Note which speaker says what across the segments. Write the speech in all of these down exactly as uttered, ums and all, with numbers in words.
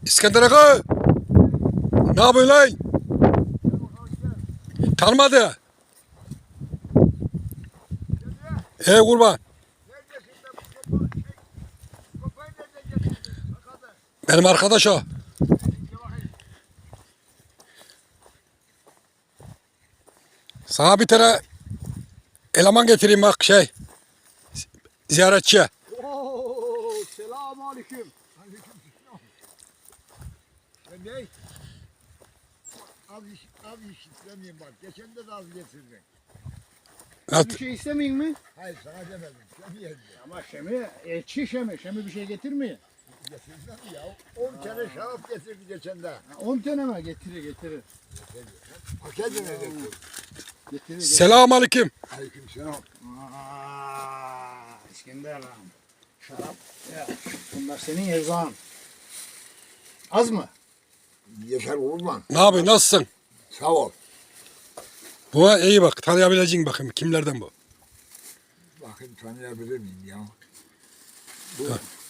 Speaker 1: İskender Aga. Ne yapıyorsun lan? Tanımadı. Ey kurban. Benim arkadaş o. Sana bir tane eleman getireyim bak şey. Ziyaretçi.
Speaker 2: Oo, selamun aleyküm. Aleykümselam. Ben ne? Az iş, az iş istemeyeyim bak. Geçen de az getirdin.
Speaker 1: Evet.
Speaker 3: Bir şey istemeyin mi?
Speaker 2: Hayır sana demedim. Şemiye
Speaker 3: Ama Şemi, elçi Şemi. Şemi bir şey getirmiyor.
Speaker 2: getirdim ya. On tane şarap getirdi geçen de.
Speaker 3: on tane mi? Getirir, getirir.
Speaker 2: Paketine getirdi.
Speaker 3: Getirir, getirir.
Speaker 1: Selamun aleyküm.
Speaker 2: Aleykümselam.
Speaker 3: Aaa, İskender lan. Şarap. Ya, bunlar senin erzağın. Az mı?
Speaker 2: Yeter olur lan.
Speaker 1: Ne yapıyorsun? Nasılsın?
Speaker 2: Sağ ol.
Speaker 1: Bu iyi bak. Tanıyabileceğin bakayım. Kimlerden bu?
Speaker 2: Bakın tanıyabilir miyim ya? Bu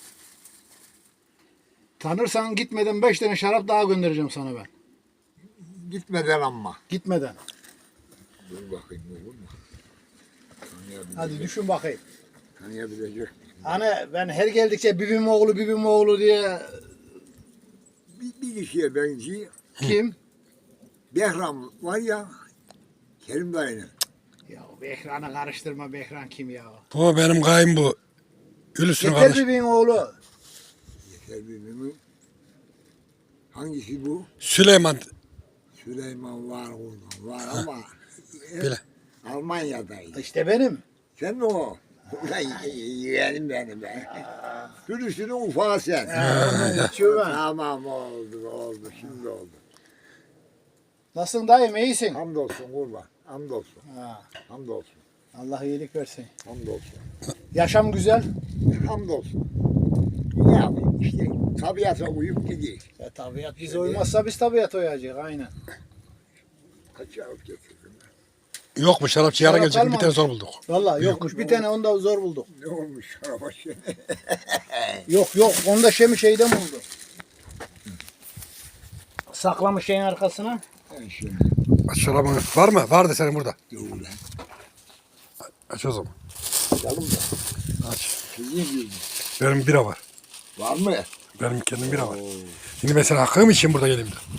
Speaker 3: Tanırsan gitmeden beş tane şarap daha göndereceğim sana ben.
Speaker 2: gitmeden ama.
Speaker 3: Gitmeden.
Speaker 2: Dur bakayım olur mu? Tanıyabilecek.
Speaker 3: Hadi düşün bakayım.
Speaker 2: Tanıyabilecek.
Speaker 3: Hani ben her geldikçe bibim oğlu bibim oğlu diye
Speaker 2: Bir, bir kişiye benziyor.
Speaker 3: kim?
Speaker 2: Behram var ya. Kerim dayının.
Speaker 3: Ya Behran'ı karıştırma, Behran kim ya?
Speaker 1: Bu benim kayın bu. Gülüsün
Speaker 3: Yeter
Speaker 1: kardeş.
Speaker 3: bibin oğlu.
Speaker 2: Yeter birbirini. Hangisi bu?
Speaker 1: Süleyman.
Speaker 2: Süleyman var orada. Var ama
Speaker 1: Bile.
Speaker 2: Almanya'daydı.
Speaker 3: İşte benim.
Speaker 2: Sen mi o? Ulan yeğenim benim be. Sürüsünün ufağı sen.
Speaker 3: Geçiyor ben.
Speaker 2: Tamam oldu oldu şimdi oldu.
Speaker 3: Nasılsın dayım, iyisin?
Speaker 2: Hamdolsun kurban. Hamdolsun.
Speaker 3: Ha,
Speaker 2: Hamdolsun.
Speaker 3: Allah iyilik versin.
Speaker 2: Hamdolsun.
Speaker 3: Yaşam güzel.
Speaker 2: Hamdolsun. Ne yapayım işte tabiata uyup gidiyor.
Speaker 3: Ya, tabiat bize uymazsa biz tabiat uyacağız aynen.
Speaker 2: Kaç yavuk getirdim ben.
Speaker 1: Yok mu şarapçı yarın
Speaker 3: Şarap
Speaker 1: gelecek. Bir
Speaker 3: kalmamış.
Speaker 1: tane zor bulduk.
Speaker 3: Vallahi yokmuş, bir tane onda zor bulduk.
Speaker 2: Ne olmuş şaraba şey?
Speaker 3: Yok yok, onda Şemi şeyden buldu. Saklamış şeyin arkasına.
Speaker 2: Ben şimdi
Speaker 1: Aç şarabını. Var mı? Vardı senin burada.
Speaker 2: dur lan.
Speaker 1: Aç o zaman.
Speaker 2: Bakalım da.
Speaker 1: Aç.
Speaker 2: Sizin gibi.
Speaker 1: Benim bira var.
Speaker 2: Var mı?
Speaker 1: Benim kendim bira var. Şimdi ben sana hakkım için burada geleyim de.